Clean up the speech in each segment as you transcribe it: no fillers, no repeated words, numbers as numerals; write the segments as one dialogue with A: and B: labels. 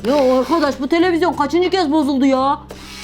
A: Ya arkadaş bu televizyon kaçıncı kez bozuldu ya?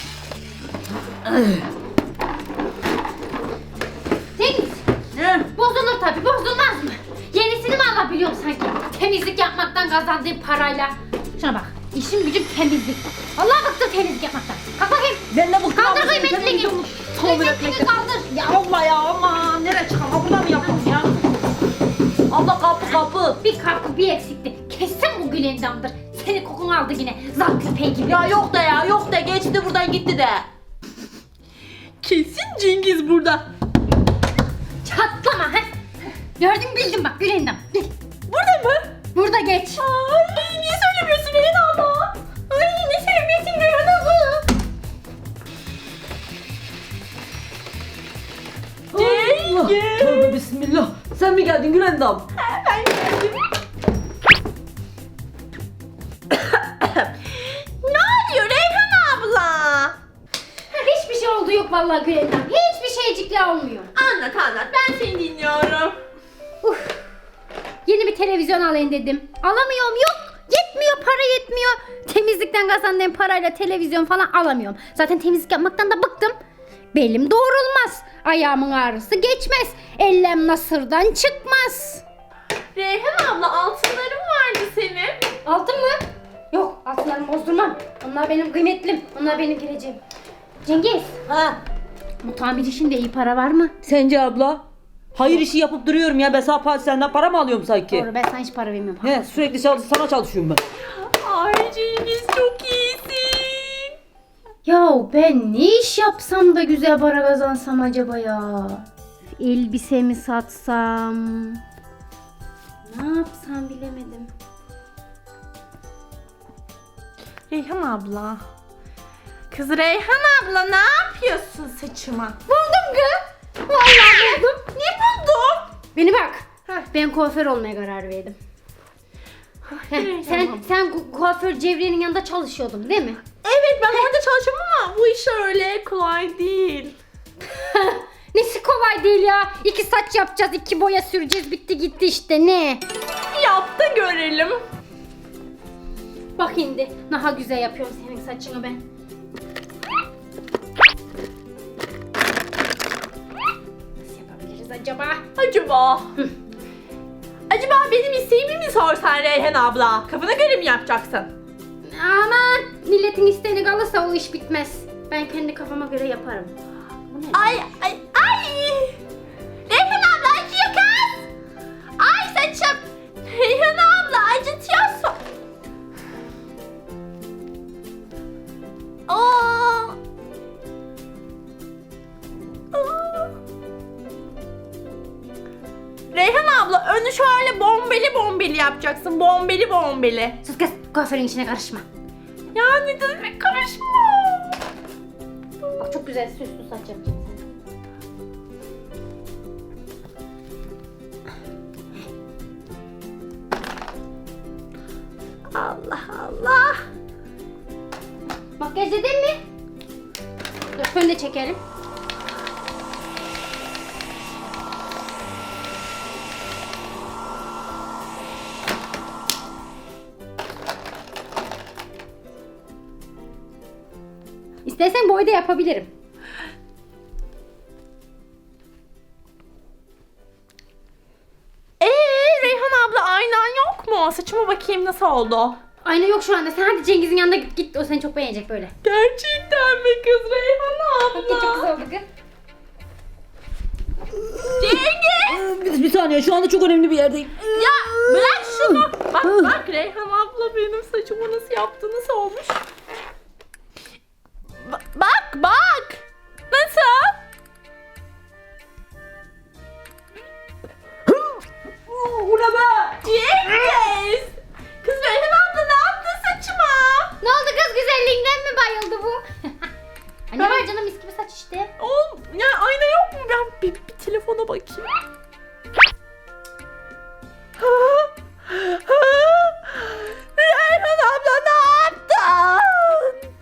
B: Cengiz.
A: Ne?
B: Bozulur tabii, bozulmaz mı? Yenisini mi alabiliyorum sanki? Temizlik yapmaktan kazandığım parayla. Şuna bak, işim gücüm temizlik. Allah bıktım temizlik yapmaktan. Kalk bakayım.
A: Ben de bu
B: Kaldır kıymetliliğini. Kıymetliliğini kaldır.
A: Ya abla ya aman nereye çıkalım? Burada mı yapalım ya? Abla kapı.
B: Bir kapı bir eksikti. Kesin bu Gülendam'dır. Senin kokunu aldı yine. Zat köpeği gibi.
A: Ya yok da geçti buradan gitti de.
C: Kesin Cengiz burada.
B: Çatlama he. Gördün bildim bak Gülendam. Gel.
C: Burada mı?
B: Burada geç.
C: Ay niye söylemiyorsun Reyhan abla?
B: Ay ne sevmesin Gülendam bu.
A: Allah. Tövbe bismillah. Sen mi geldin Gülendam?
C: Ben geldim. Ne oluyor Reyhan abla?
B: Hiçbir şey oldu yok vallahi Gülendam. Hiçbir şeycikler olmuyor.
C: Anlat ben seni dinliyorum.
B: Yeni bir televizyon alayım dedim. Alamıyorum yok. Yetmiyor para yetmiyor. Temizlikten kazandığım parayla televizyon falan alamıyorum. Zaten temizlik yapmaktan da bıktım. Belim doğrulmaz. Ayağımın ağrısı geçmez. Ellem nasırdan çıkmaz.
C: Reyhan abla altınların vardı senin.
B: Altın mı? Yok altınlarımı bozdurmam. Onlar benim kıymetlim. Onlar benim geleceğim. Cengiz.
A: Ha?
B: Bu tamir işinde iyi para var mı?
A: Sence abla? Hayır işi yapıp duruyorum ya. Ben senden para mı alıyorum sanki?
B: Doğru ben sana hiç para vermiyorum.
A: He sürekli sana çalışıyorum ben.
C: Ay Cengiz çok iyisin.
B: Ya ben ne iş yapsam da güzel para kazansam acaba ya? Elbise mi satsam? Ne yapsam bilemedim.
C: Reyhan abla. Kız Reyhan abla ne yapıyorsun saçıma?
B: Buldum kız. Vallahi buldum.
C: Ne buldun?
B: Beni bak.
C: Heh.
B: Ben kuaför olmaya karar verdim.
C: Reyhan
B: Sen
C: abla.
B: sen kuaför Cevriye'nin yanında çalışıyordun değil mi?
C: Evet ben orada çalışıyorum ama bu iş öyle kolay değil.
B: Nesi kolay değil ya. 2 saç yapacağız, 2 boya süreceğiz. Bitti gitti işte ne?
C: Yap da görelim.
B: Bak şimdi. Daha güzel yapıyorum senin saçını ben. Nasıl yapabiliriz acaba?
C: Acaba benim isteğimi mi sorsan Reyhan abla? Kafana göre mi yapacaksın?
B: Aman milletin isteğini kalırsa o iş bitmez. Ben kendi kafama göre yaparım. Bu ne?
C: Ay. Reyhan abla acıyor kız. Ay saçım. Reyhan abla acıtıyorsun. Aa. Reyhan abla önü şöyle bombeli yapacaksın. Bombeli.
B: Sus kız kuaförün işine karışma.
C: Ya ne demek karışma.
B: Bak çok güzel süslü saç yapacağım sana.
C: Allah.
B: Makyaj edeyim mi? Dur fön de çekelim. İstersen boy da yapabilirim.
C: Reyhan abla aynan yok mu? Saçıma bakayım nasıl oldu?
B: Ayna yok şu anda. Sen hadi Cengiz'in yanına git. O seni çok beğenecek böyle.
C: Gerçekten mi kız Reyhan
B: Bak çok güzel oldu kız.
C: Cengiz!
A: Bir saniye şu anda çok önemli bir yerdeyim.
C: Ya bırak şunu. Bak Reyhan abla benim saçımı nasıl yaptı, nasıl olmuş? Bak. Nasıl?
A: Bu ne be?
C: Cengiz! Kız Reyhan abla ne yaptı saçıma?
B: Ne oldu kız güzelliğinden mi bayıldı bu? Anne var canım mis gibi saç işte.
C: Oğlum ya ayna yok mu? Ben bir telefona bakayım. Reyhan abla ne yaptın?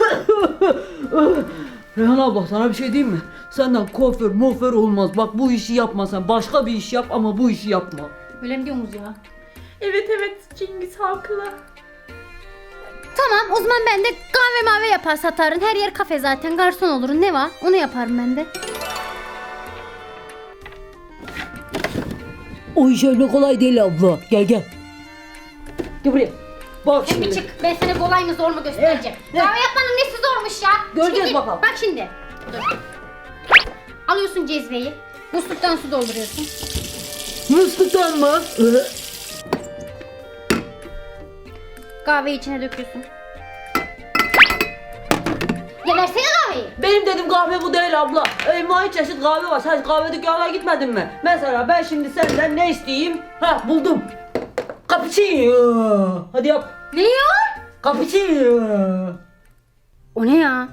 A: Reyhan abla sana bir şey diyeyim mi? Senden kuaför olmaz. Bak bu işi yapma sen. Başka bir iş yap ama bu işi yapma.
B: Öyle mi diyorsunuz ya?
C: Evet Cengiz haklı.
B: Tamam o zaman ben de kahve mavi yapar satarım. Her yer kafe zaten, garson olurum. Ne var? Onu yaparım ben de.
A: O iş öyle kolay değil abla. Gel gel. Gel buraya. Bak
B: Sen bir
A: şimdi.
B: çık. Ben sana kolay mı zor mu göstereceğim. Kahve yapmanın nesi zormuş ya?
A: Göreceğiz
B: Şimdi,
A: bakalım.
B: Bak şimdi. Dur. Alıyorsun cezveyi. Musluktan su dolduruyorsun.
A: Musluktan mı?
B: Kahveyi içine döküyorsun. Ya versene kahveyi.
A: Benim dedim kahve bu değil abla. Envai çeşit kahve var. Sen kahve dükkanına gitmedin mi? Mesela ben şimdi senden ne isteyeyim? Ha buldum. Cappuccino. Hadi yap.
B: Ne ya?
A: Cappuccino.
B: O ne ya?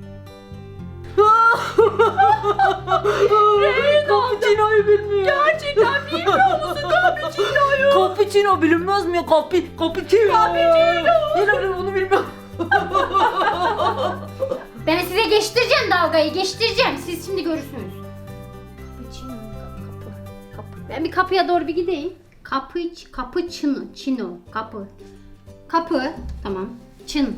A: Cappuccino'yu bilmiyor. Gerçekten bilmiyor musun cappuccino'yu? Cappuccino bilinmez mi ya? Cappuccino. Yine bunu bilmiyorum.
B: Ben size geçtireceğim dalgayı, geçtireceğim. Siz şimdi görürsünüz. Kapı. Ben bir kapıya doğru bir gideyim. Kapı çino. Kapı. Tamam. Çın.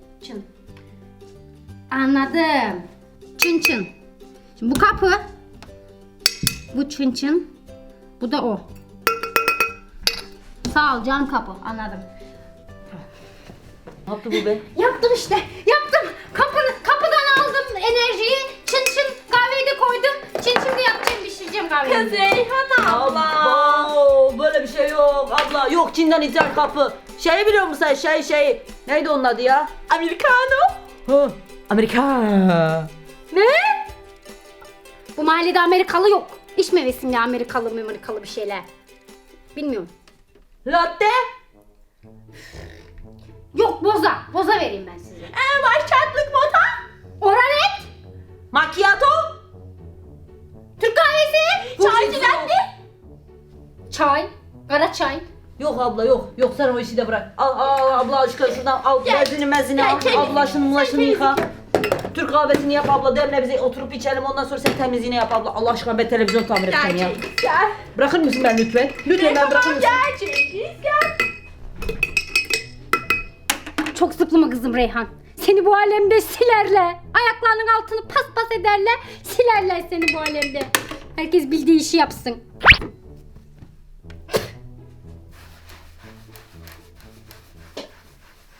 B: Anladım. Çın. Şimdi bu kapı. Bu çın. Bu da o. Sağ ol cam kapı. Anladım.
A: Ne yaptı bu be?
B: Yaptım işte. Yaptım. Kapıdan aldım enerjiyi. Çın kahveyi de koydum. Şimdi yapacağım, pişireceğim kahveyi.
C: Kız Reyhan abla.
A: Abo, böyle bir şey yok abla. Yok Çin'den ithal kapı. Şeyi biliyor musun sen? Şey. Neydi onun adı ya?
C: Americano.
A: Ha. Amerika.
B: Ne? Bu mahallede Amerikalı yok. İçme resimli Amerikalı bir şeyler. Bilmiyorum.
A: Latte.
B: Yok boza vereyim ben size.
C: Başlatlık bota.
B: Oralet.
A: Macchiato.
B: Türk kahvesi.
C: Çaycı latte.
B: Çay. Kara çay.
A: Yok abla yok. Yok sen o işi de bırak. Al abla aşkına şuradan al.
C: Gel.
A: Mezini
C: Gel,
A: al.
C: temizlik.
A: Abla şunu
C: Sen
A: şunu yıka. Türk kahvesini yap abla. Demle bize oturup içelim. Ondan sonra sen temizliğini yap abla. Allah aşkına ben televizyon tamir edeceğim ya.
C: Gel.
A: Bırakır mısın ben lütfen? Lütfen ben bırakır mısın?
C: Gel.
B: Çok zıplama kızım Reyhan. Seni bu alemde silerler. Ayaklarının altını paspas ederler. Silerler seni bu alemde. Herkes bildiği işi yapsın.